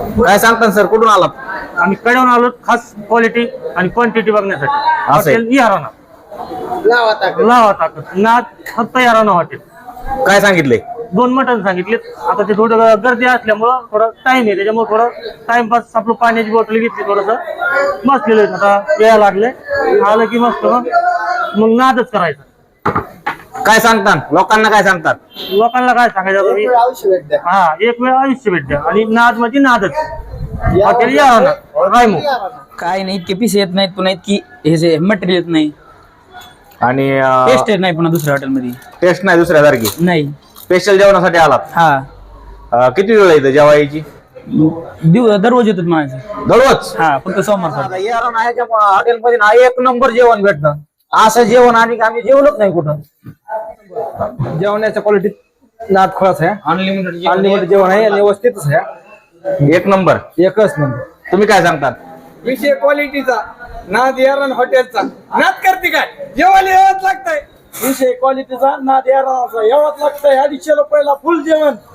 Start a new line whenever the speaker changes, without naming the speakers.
काय सांगता सर, कुठून आलात?
आम्ही कड्यावरून आलो खास क्वालिटी आणि क्वांटिटी बघण्यासाठी. हॉटेल इहाराना लावा ताकद नाद फक्त इहाराना हॉटेल.
काय सांगितले?
2 मटण सांगितले. आता ते थोडं गर्दी असल्यामुळं थोडं टाइम आहे, त्याच्यामुळे थोडं टाइमपास आपलं पाण्याची बॉटल घेतली, थोडस बसलेलो आहे. आता यायला लागले, आलं की मस्त मग नादच करायचं.
काय सांगता लोकांना, काय सांगतात?
लोकांना काय सांगायचं तुम्ही? हा, एक वेळ आयुष्य भेट द्या आणि नाद म्हणजे नादच. हॉटेल इहाराना रायमो.
काय नाही, इतके पीस येत नाहीत, पुन्हा इतकी हे जे मटेरियल येत नाही,
आणि
टेस्ट येत नाही पुन्हा दुसऱ्या हॉटेलमध्ये.
टेस्ट नाही दुसऱ्यासारखी.
नाही.
स्पेशल जेवणासाठी आलात?
हा,
किती वेळ येतं जेवायची?
दररोज येतात माझे.
दररोज?
हा, फक्त सोमवार.
हॉटेलमध्ये ना एक नंबर जेवण भेटतं. असं जेवण आणि आम्ही जेवलोच नाही कुठं.
जेवणाच्या क्वालिटीत नाद खळस आहे. अनलिमिटेड जेवण आहे आणि व्यवस्थितच आहे.
एक नंबर.
एकच नंबर.
तुम्ही काय सांगतात?
विषय क्वालिटीचा, नाद यारण हॉटेलचा. नाद करते काय, जेवायला यावंच लागतंय.
विषय क्वालिटीचा, नाद याराचा यावाच लागतंय. 250 रुपयाला फुल जेवण.